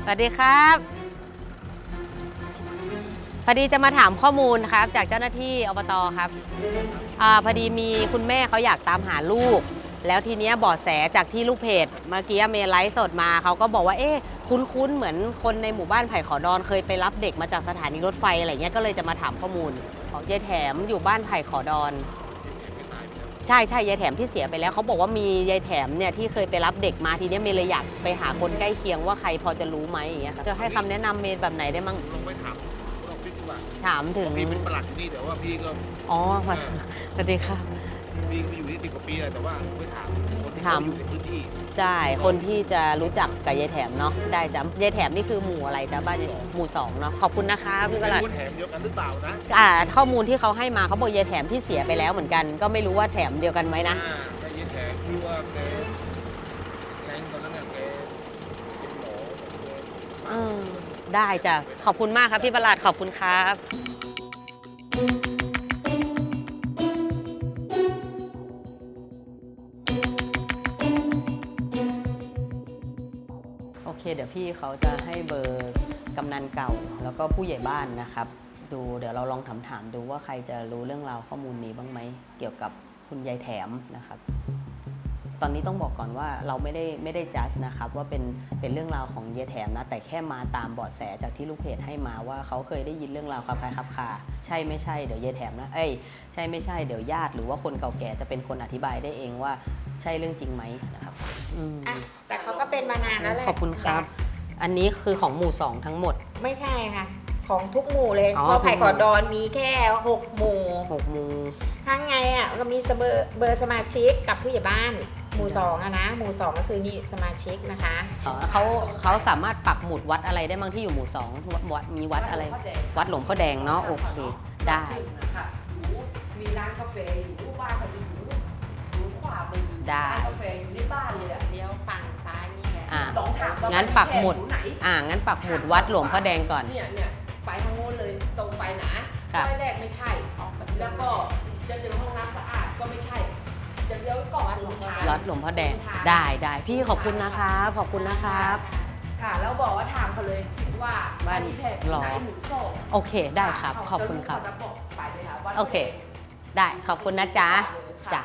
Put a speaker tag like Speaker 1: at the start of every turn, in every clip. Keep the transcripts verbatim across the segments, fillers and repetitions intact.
Speaker 1: สวัสดีครับพอดีจะมาถามข้อมูลครับจากเจ้าหน้าที่อบต.ครับอาพอดีมีคุณแม่เขาอยากตามหาลูกแล้วทีเนี้ยเบาะแสจากที่ลูกเพจเมื่อกี้เมย์ไลฟ์สดมาเขาก็บอกว่าเอ๊ะคุ้นๆเหมือนคนในหมู่บ้านไผ่ขอดอนเคยไปรับเด็กมาจากสถานีรถไฟอะไรเงี้ยก็เลยจะมาถามข้อมูลของยายแถมอยู่บ้านไผ่ขอดอนใช่ใช่ยายแถมที่เสียไปแล้วเขาบอกว่ามียายแถมเนี่ยที่เคยไปรับเด็กมาทีนี้เมย์เลยอยากไปหาคนใกล้เคียงว่าใครพอจะรู้ไหมอย่างเงี้ยจะให้คำแนะนำเมย์แบบไหนได้มั้ง
Speaker 2: ลองไปถามลองฟิกดีกว่า
Speaker 1: ถามถึง
Speaker 2: พี่เป็นประหลัดที่นี่แต่ว่าพี่ก็
Speaker 1: อ๋อมาสวัสดีค่ะ
Speaker 2: พี่ไปอยู่ที่สิบกว่าปีแล้วแต่ว่าไปถามคนที่เขาอยู่ในพื้นที่
Speaker 1: ได้คนที่จะรู้จักกับยายแถมเนาะได้จ้ะยายแถมนี่คือหมู่อะไรจ้ะบ้านหมู่สองเนาะขอบคุณนะคะพี่ประหลัด
Speaker 2: แถมเดียวกันหรือเปล่านะ
Speaker 1: อ่าข้อมูลที่เขาให้มาเขาบอกยายแถมที่เสียไปแล้วเหมือนกันก็ไม่รู้ว่าแถมเดียวกันไหมนะ
Speaker 2: แต่ยายแถมที่ว่าแกแทงตอนนั้นน่ะแกเป็นหมอ
Speaker 1: เออได้จ้ะขอบคุณมากครับพี่ประหลัดขอบคุณครับโอเคเดี๋ยวพี่เขาจะให้เบอร์กำนันเก่าแล้วก็ผู้ใหญ่บ้านนะครับดูเดี๋ยวเราลองถามถามดูว่าใครจะรู้เรื่องราวข้อมูลนี้บ้างไหมเกี่ยวกับคุณยายแถมนะครับตอนนี้ต้องบอกก่อนว่าเราไม่ได้ไม่ได้จัดนะครับว่าเป็นเป็นเรื่องราวของยายแถมนะแต่แค่มาตามเบาะแสจากที่ลูกเพจให้มาว่าเขาเคยได้ยินเรื่องราวคลับคล้ายคลับคาใช่ไม่ใช่เดี๋ยวยายแถมนะเอ้ยใช่ไม่ใช่เดี๋ยวญาติหรือว่าคนเก่าแก่จะเป็นคนอธิบายได้เองว่าใช่เรื่องจริงไหมนะครับ
Speaker 3: อ่ะแต่เขาก็เป็นมานานแล้วแหละ
Speaker 1: ขอบคุณครับอันนี้คือของหมู่สองทั้งหมด
Speaker 3: ไม่ใช่ค่ะของทุกหมู่เลยเพราะไผ่ขอดอนมีแค่หกหมู่
Speaker 1: หกหมู่
Speaker 3: ทั้งไงอ่ะก็มีเบอร์เบอร์สมาชิกกับผู้ใหญ่บ้านหมู่สองอะนะหมู่สองก็คือนี่สมาชิกนะคะ
Speaker 1: เขาเขาสามารถปักหมุดวัดอะไรได้บ้างที่อยู่หมู่สองวัดมีวัดอะไรวัดหลวงพ่อแดงเนาะโอเคได้
Speaker 4: มีร้านกาแฟอยู่บ้านเขาอยู่อยู่ขวามือ
Speaker 1: ได้
Speaker 4: กาแฟอยู่ในบ้านเลยอะ
Speaker 3: เดี๋ยวฝั่งซ้ายนี่แหละ
Speaker 4: ลองถาม
Speaker 1: งั้นปักหมุดอ่างั้นปักหมุดวัดหลวงพ่อแดงก่อน
Speaker 4: เนี่ยเนี่ยไปทางโน้นเลยตรงไปนะซอยแรกไม่ใช่แล้วก็จะเจอห้องน้ำสะอาดก็ไม่ใช่จะเลี้ยวก่อน
Speaker 1: วัดหลวงพ่อแดงได้ได้พี่ขอบคุณนะครับขอบคุณนะครับ
Speaker 4: ค่ะแล้วบอกว่าถามเขาเลยว่าบ้านนี้แทบไหนหมู่สอง
Speaker 1: โอเคได้ครับขอบคุณครับโอเคได้ขอบคุณนะจ๊ะจ้ะ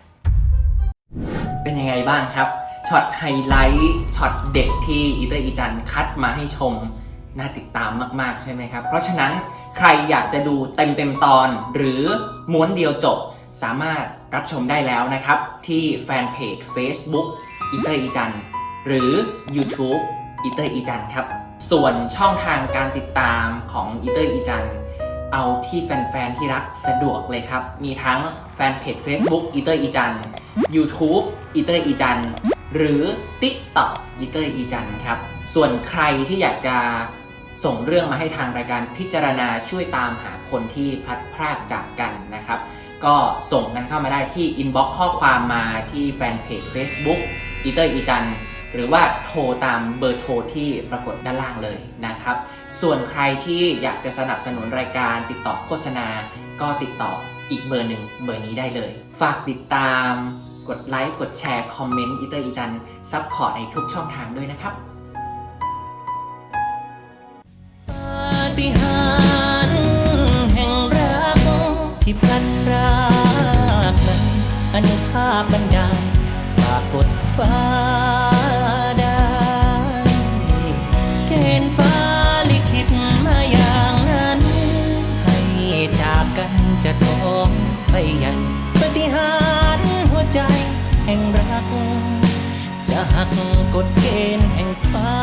Speaker 5: เป็นยังไงบ้างครับช็อตไฮไลท์ช็อตเด็กที่อีเตอร์อีจันคัดมาให้ชมน่าติดตามมากๆใช่ไหมครับเพราะฉะนั้นใครอยากจะดูเต็มเต็มตอนหรือม้วนเดียวจบสามารถรับชมได้แล้วนะครับที่แฟนเพจ Facebook อีเตอร์อีจันหรือ YouTube อีเตอร์อีจันครับส่วนช่องทางการติดตามของอีเตอร์อีจันเอาที่แฟนๆที่รักสะดวกเลยครับมีทั้งแฟนเพจ Facebook อีเตอร์อีจัน YouTube อีเตอร์อีจันหรือ TikTok อีเตอร์อีจันครับส่วนใครที่อยากจะส่งเรื่องมาให้ทางรายการพิจารณาช่วยตามหาคนที่พลัดพรากจากกันนะครับก็ส่งกันเข้ามาได้ที่อินบ็อกซ์ข้อความมาที่แฟนเพจ Facebook อีเตอร์อีจันหรือว่าโทรตามเบอร์โทรที่ปรากฏด้านล่างเลยนะครับส่วนใครที่อยากจะสนับสนุนรายการติดต่อโฆษณาก็ติดต่ออีกเบอร์หนึ่งเบอร์นี้ได้เลยฝากติดตามกดไลค์กดแชร์คอมเมนต์อีเตอร์อีจันซัพพอร์ตในทุกช่องทางด้วยนะครับปาฏิหาริย์แห่งรักที่พลันพรากนั้นอนุภาพบันดาลฝากกดฟ้าได้เกณฑ์ฟ้าลิขิตมาอย่างนั้นให้จากกันจะท้องไปยังปาฏิหาริย์หัวใจแห่งรักจะหักกฎเกณฑ์แห่งฟ้า